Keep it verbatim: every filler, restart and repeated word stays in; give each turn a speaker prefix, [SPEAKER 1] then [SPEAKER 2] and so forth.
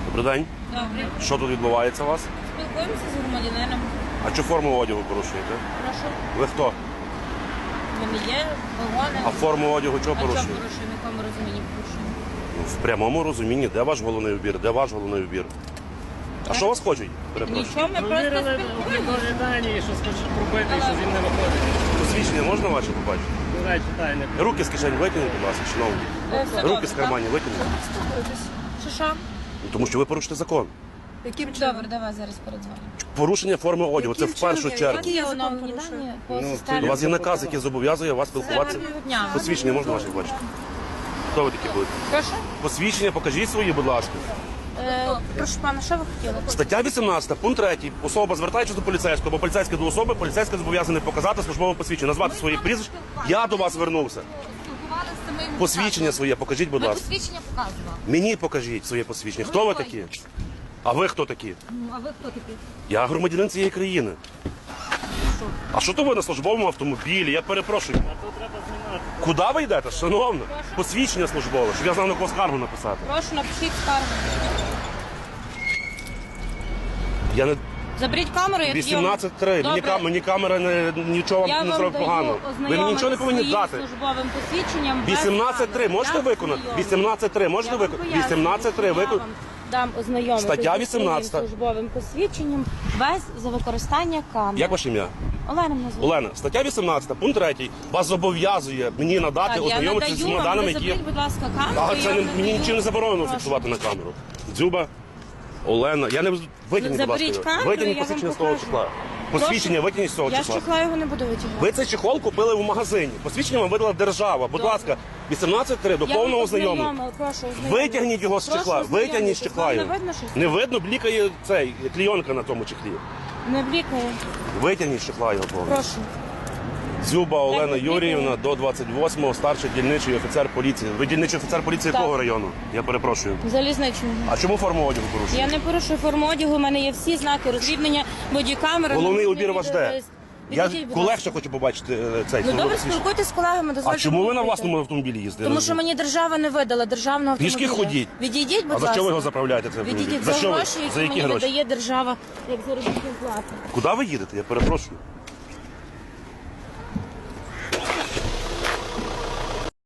[SPEAKER 1] Добрий день.
[SPEAKER 2] Добре.
[SPEAKER 1] Що тут відбувається у вас?
[SPEAKER 2] Спілкуємося з громадянином.
[SPEAKER 1] А чу форму одягу порушуєте?
[SPEAKER 2] Прошу.
[SPEAKER 1] Ви хто?
[SPEAKER 2] В мене є вагони.
[SPEAKER 1] А форму одягу чого
[SPEAKER 2] А чому
[SPEAKER 1] порушуєте?
[SPEAKER 2] порушуємо? В якому розумінні порушуємо?
[SPEAKER 1] Ну, в прямому розумінні, де ваш головний убір? Де ваш головний убір? А що вас хочуть? Перепрошую.
[SPEAKER 2] Нічого, ми просто
[SPEAKER 3] Провірили
[SPEAKER 2] спілкуємося.
[SPEAKER 3] облікові дані, що хоче пробити, що він не виходить.
[SPEAKER 1] Посвідчення можна ваше побачити?
[SPEAKER 3] До речі, дай не
[SPEAKER 1] Руки з кишень витягніть, будь ласка, шановні.
[SPEAKER 2] Е, все
[SPEAKER 1] Руки
[SPEAKER 2] добре,
[SPEAKER 1] з
[SPEAKER 2] так?
[SPEAKER 1] карманів витягніть.
[SPEAKER 2] Що що?
[SPEAKER 1] Ну, тому що ви порушите закон.
[SPEAKER 4] Яким чином?
[SPEAKER 2] Добре, давай зараз передзвонимо.
[SPEAKER 1] Порушення форми одягу, це в
[SPEAKER 4] Яким
[SPEAKER 1] першу
[SPEAKER 4] чином?
[SPEAKER 1] чергу.
[SPEAKER 4] Які я закон
[SPEAKER 2] оновлені
[SPEAKER 4] порушую?
[SPEAKER 2] дані по
[SPEAKER 3] Ну,
[SPEAKER 2] системі?
[SPEAKER 1] У вас є наказ, який зобов'язує вас спілкуватися.
[SPEAKER 2] Гарного дня.
[SPEAKER 1] Посвідчення можна ваше бачити? Хто ви такі будете?
[SPEAKER 2] Прошу?
[SPEAKER 1] Посвідчення покажіть свої, будь ласка.
[SPEAKER 2] Е, прошу пана, що ви хотіли?
[SPEAKER 1] Стаття вісімнадцята, пункт третій. Особа, звертаючись до поліцейського, або поліцейський до особи, поліцейський зобов'язаний показати службове посвідчення, назвати свої прізвища. Я до вас звернувся. Посвідчення своє покажіть, будь
[SPEAKER 5] Ми
[SPEAKER 1] ласка.
[SPEAKER 5] посвідчення показували.
[SPEAKER 1] Мені покажіть своє посвідчення. Хто ви такі? А ви хто такі?
[SPEAKER 5] Ну, а ви хто такі?
[SPEAKER 1] Я громадянин цієї країни. А що то ви на службовому автомобілі? Я перепрошую.
[SPEAKER 3] тут треба знімати.
[SPEAKER 1] Куди ви йдете, шановна? Посвідчення службове, щоб я знав, на кого скаргу написати.
[SPEAKER 2] Прошу, напишіть скаргу.
[SPEAKER 1] Я не
[SPEAKER 2] Заберіть камеру, я тоді вам-
[SPEAKER 1] вісімнадцять три. Мені,
[SPEAKER 2] Добре.
[SPEAKER 1] кам- мені камера не, нічого
[SPEAKER 2] Я
[SPEAKER 1] вам не
[SPEAKER 2] вам
[SPEAKER 1] зробить
[SPEAKER 2] даю
[SPEAKER 1] погано. Ви мені нічого не повинні
[SPEAKER 2] своїм
[SPEAKER 1] дати.
[SPEAKER 2] службовим посвідченням без
[SPEAKER 1] вісімнадцять три
[SPEAKER 2] камери.
[SPEAKER 1] можете
[SPEAKER 2] Я
[SPEAKER 1] виконати?
[SPEAKER 2] ознайомлю.
[SPEAKER 1] вісімнадцять три можете
[SPEAKER 2] Я вам
[SPEAKER 1] виконати?
[SPEAKER 2] пояснюю,
[SPEAKER 1] вісімнадцять три
[SPEAKER 2] що я
[SPEAKER 1] виконати.
[SPEAKER 2] вам дам ознайомитися
[SPEAKER 1] Стаття
[SPEAKER 2] зі своїм
[SPEAKER 1] вісімнадцята.
[SPEAKER 2] службовим посвідченням без за використання камери.
[SPEAKER 1] Як ваше ім'я?
[SPEAKER 2] Олена мене звуть.
[SPEAKER 1] Олена, стаття вісімнадцята, пункт третій. Вас зобов'язує мені надати,
[SPEAKER 2] Так, я
[SPEAKER 1] ознайомитися з
[SPEAKER 2] надаю
[SPEAKER 1] цими
[SPEAKER 2] вам,
[SPEAKER 1] даними,
[SPEAKER 2] ви
[SPEAKER 1] які є.
[SPEAKER 2] заберіть, будь ласка, камеру.
[SPEAKER 1] А
[SPEAKER 2] я
[SPEAKER 1] це
[SPEAKER 2] вам
[SPEAKER 1] не, мені
[SPEAKER 2] надаю.
[SPEAKER 1] нічим не заборонено
[SPEAKER 2] Прошу.
[SPEAKER 1] фіксувати на камеру. Дзюба, Олена, я не витягніть, будь
[SPEAKER 2] Заберіть
[SPEAKER 1] ласка.
[SPEAKER 2] камеру,
[SPEAKER 1] Витягніть
[SPEAKER 2] я вам
[SPEAKER 1] посвідчення з того
[SPEAKER 2] покажу.
[SPEAKER 1] числа. Посвідчення витягніть з того
[SPEAKER 2] Я з
[SPEAKER 1] числа.
[SPEAKER 2] чехла його не буду витягувати.
[SPEAKER 1] Ви цей чехол купили в магазині. Посвідчення вам видала держава. Будь
[SPEAKER 2] Добре.
[SPEAKER 1] ласка, вісімнадцять три до
[SPEAKER 2] Я
[SPEAKER 1] повного
[SPEAKER 2] вам
[SPEAKER 1] ознайомлення.
[SPEAKER 2] ознайомила, прошу, ознайомити.
[SPEAKER 1] Витягніть його з
[SPEAKER 2] Прошу
[SPEAKER 1] чехла,
[SPEAKER 2] ознайомитись.
[SPEAKER 1] витягніть з чехла
[SPEAKER 2] Вам
[SPEAKER 1] його.
[SPEAKER 2] Не видно щось?
[SPEAKER 1] Не видно, блікає цей, клійонка на тому чехлі.
[SPEAKER 2] Не блікає.
[SPEAKER 1] Витягніть з чехла його повністю.
[SPEAKER 2] Прошу.
[SPEAKER 1] Дзюба Олена
[SPEAKER 2] ви
[SPEAKER 1] Юріївна, до двадцять восьмого, старший дільничий офіцер поліції. Ви дільничий офіцер поліції
[SPEAKER 2] Так.
[SPEAKER 1] якого району? Я перепрошую.
[SPEAKER 2] Залізничного.
[SPEAKER 1] А чому форму одягу порушуєте?
[SPEAKER 2] Я не порушую форму одягу, у мене є всі знаки розрібнення, бодікамери.
[SPEAKER 1] Головний
[SPEAKER 2] номерний
[SPEAKER 1] убір ваш де?
[SPEAKER 2] відео.
[SPEAKER 1] Я
[SPEAKER 2] Відійдіть, будь
[SPEAKER 1] колег
[SPEAKER 2] ласка.
[SPEAKER 1] ще хочу побачити е, цей
[SPEAKER 2] Ну
[SPEAKER 1] службовий
[SPEAKER 2] добре,
[SPEAKER 1] посвідчення.
[SPEAKER 2] спілкуйтесь з колегами,
[SPEAKER 1] А
[SPEAKER 2] дозвольте.
[SPEAKER 1] чому ви на
[SPEAKER 2] мені
[SPEAKER 1] власному
[SPEAKER 2] вийти.
[SPEAKER 1] автомобілі їздите?
[SPEAKER 2] Тому що мені держава не видала державного автомобіля.
[SPEAKER 1] Пішки ходіть.
[SPEAKER 2] Відійдіть, будь
[SPEAKER 1] А
[SPEAKER 2] ласка.
[SPEAKER 1] за що ви його заправляєте? Цей автомобіль?
[SPEAKER 2] Відійдіть
[SPEAKER 1] За
[SPEAKER 2] за
[SPEAKER 1] що ви?
[SPEAKER 2] гроші,
[SPEAKER 1] За
[SPEAKER 2] які
[SPEAKER 1] які
[SPEAKER 2] мені
[SPEAKER 1] гроші?
[SPEAKER 2] видає держава, як заробітну плату.
[SPEAKER 1] Куди ви їдете? Я перепрошую.